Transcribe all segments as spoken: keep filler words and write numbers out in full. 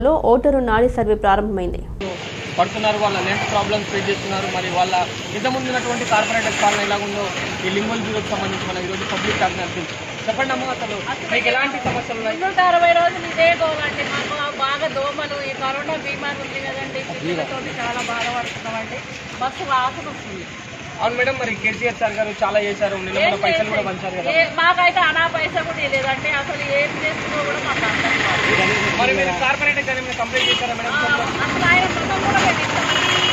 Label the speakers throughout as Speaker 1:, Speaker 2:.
Speaker 1: లో ఓటరు నాడి సర్వే ప్రారంభమైంది.
Speaker 2: పడుతున్నారు వాళ్ళ లెంత్ ప్రాబ్లమ్స్ ఫేస్ చేస్తున్నారు. మరి వాళ్ళ ఇంతకుముందు ఉన్నటువంటి కార్పొరేటర్ పాలన ఎలా ఉందో ఈ లింగోల్ బ్యూరోకి సంబంధించి మనం ఈరోజు పబ్లిక్ టాక్ నడిపింది. చెప్పండి అమ్మ, అసలు మీకు ఎలాంటి సమస్యలు ఉన్నాయి?
Speaker 3: నూట అరవై రోజులు ఇదే గోవండి. మాకు బాగా దోమలు, ఈ కరోనా బీమార్ ఉంది కదండి, పిల్లలతో చాలా బాధపడుతున్నామండి. బస్సు వాసన వస్తుంది.
Speaker 2: అవును మేడం, మరి కేసీఆర్ సార్ గారు చాలా చేశారు, నిన్న పైసలు కూడా పంచారు కదా.
Speaker 3: మాకైతే అనా పైసా కూడా లేదంటే అసలు ఏం చేస్తుందో కూడా మాకు అర్థం కాదు.
Speaker 2: మరి మీరు కార్పొరేటర్ గారు ఏమైనా కంప్లైంట్ చేశారా మేడం?
Speaker 3: అసలు ఆయన మొత్తం కూడా పెట్టిస్తాం.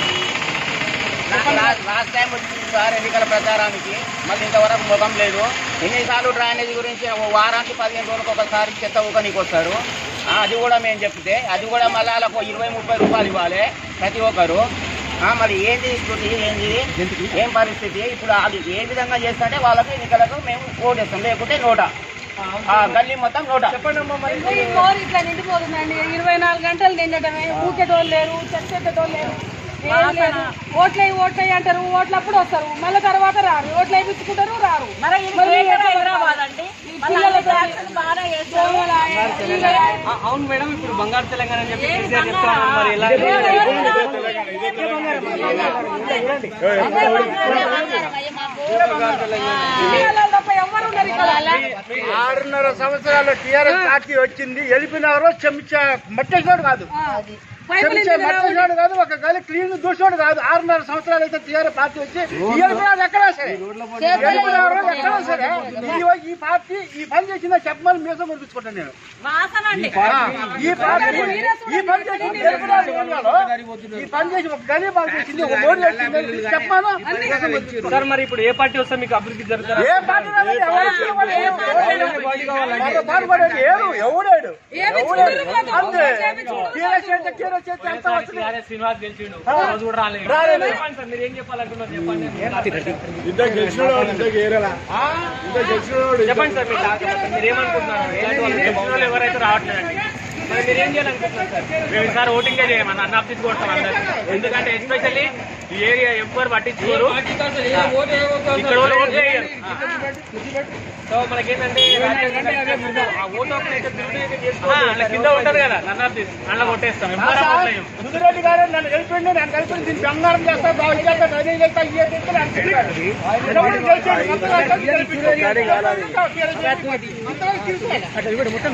Speaker 4: లాస్ట్ టైం వచ్చింది సార్ ఎన్నికల ప్రచారానికి, మళ్ళీ ఇంతవరకు ముఖం లేదు. ఎన్నిసార్లు డ్రైనేజ్ గురించి వారానికి పదిహేను రోజులకు ఒకసారి చెత్త ఊకనికి వస్తారు. అది కూడా మేము చెప్తే అది కూడా మళ్ళీ వాళ్ళకు ఇరవై ముప్పై రూపాయలు ఇవ్వాలి ప్రతి ఒక్కరు. మరి ఏంది స్థితి, ఏంది ఏం పరిస్థితి? ఇప్పుడు అది ఏ విధంగా చేస్తుంటే వాళ్ళకి ఎన్నికలకు మేము ఓటేస్తాం, లేకుంటే నోట గల్లీ మొత్తం నోట.
Speaker 2: చెప్పండి అమ్మా, మరి
Speaker 3: ఇట్లా నిండిపోతుందండి. ఇరవై నాలుగు గంటలు నిండటమే, ఊకేటోళ్ళు లేరు, చచ్చేటోళ్ళు లేరు. ఓట్లయి ఓట్లయి అంటారు, ఓట్లప్పుడు వస్తారు, మళ్ళీ తర్వాత రారు. ఓట్లు వేయించుకుంటారు, రారు.
Speaker 2: అవును మేడం, ఇప్పుడు బంగారు తెలంగాణ అని చెప్పి కేసీఆర్ చెప్తాను. మరి ఎలా
Speaker 5: ఆరున్నర సంవత్సరాల టీఆర్ఎస్ పార్టీ వచ్చింది, వెళ్ళిపోయినారో చెంచా మట్టేసినోడు కాదు, చెంచా మట్టేసినోడు కాదు, ఒక గలి క్లీన్ దూసినోడు కాదు. ఆరున్నర సంవత్సరాలు అయితే టీఆర్ఎస్ పార్టీ వచ్చి వెళ్ళిపోయినారు ఎక్కడా సరే, వెళ్ళిపోయినారు ఎక్కడా సరే. ఈ పార్టీ ఈ పని చేసిందో చెప్పమని మీతో మురిపించుకుంటాను నేను. ఈ పార్టీ ఈ పని చేసింది ఈ పని చేసి ఒక గలి బాగా చేసింది, ఒక మోడీ వచ్చింది చెప్పమాను.
Speaker 2: సార్, మరి ఇప్పుడు ఏ పార్టీ వస్తే మీకు అభివృద్ధి జరుగుతుంది?
Speaker 5: ఏ పార్టీ ఎవడాడు అంతే
Speaker 2: శ్రీనివాస్ గెలిచిండు, రోజు కూడా రాలేదు. మీరు ఏం చెప్పాలనుకున్నారు చెప్పండి. చెప్పండి సార్, మీరు ఏమనుకుంటున్నారు? ఎవరైతే రావట్లేదండి, మరి మీరు ఏం చేయాలనుకుంటున్నారు సార్? మేము ఈసారి ఓటింగే చేయమని అన్న అప్పించుకోవటం అందరు, ఎందుకంటే ఎస్పెషల్లీ ఈ ఏరియా ఎవ్వరు పట్టించుకోరు, ఇక్కడ ఓటు వేయరు. సో మనకేంటంటే కింద ఉంటుంది కదా నన్ను అప్పిస్ అన్న కొట్టేస్తాం.
Speaker 5: సుధిరెడ్డి గారు నన్ను కలిపిండి, నన్ను కలిపి దీన్ని బంగారం చేస్తా, బాగు చేస్తా, డ్రైనేజ్ చేస్తా, మొత్తం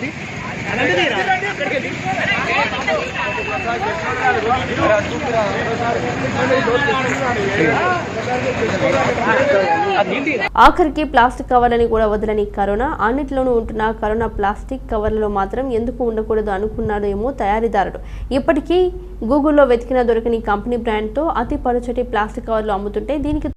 Speaker 1: ఆఖరికి ప్లాస్టిక్ కవర్లని కూడా వదలని కరోనా, అన్నిట్లోనూ ఉంటున్న కరోనా ప్లాస్టిక్ కవర్లలో మాత్రం ఎందుకు ఉండకూడదు అనుకున్నాడు ఏమో తయారీదారుడు. ఇప్పటికీ గూగుల్లో వెతికిన దొరకని కంపెనీ బ్రాండ్తో అతి పలుచటి ప్లాస్టిక్ కవర్లు అమ్ముతుంటే దీనికి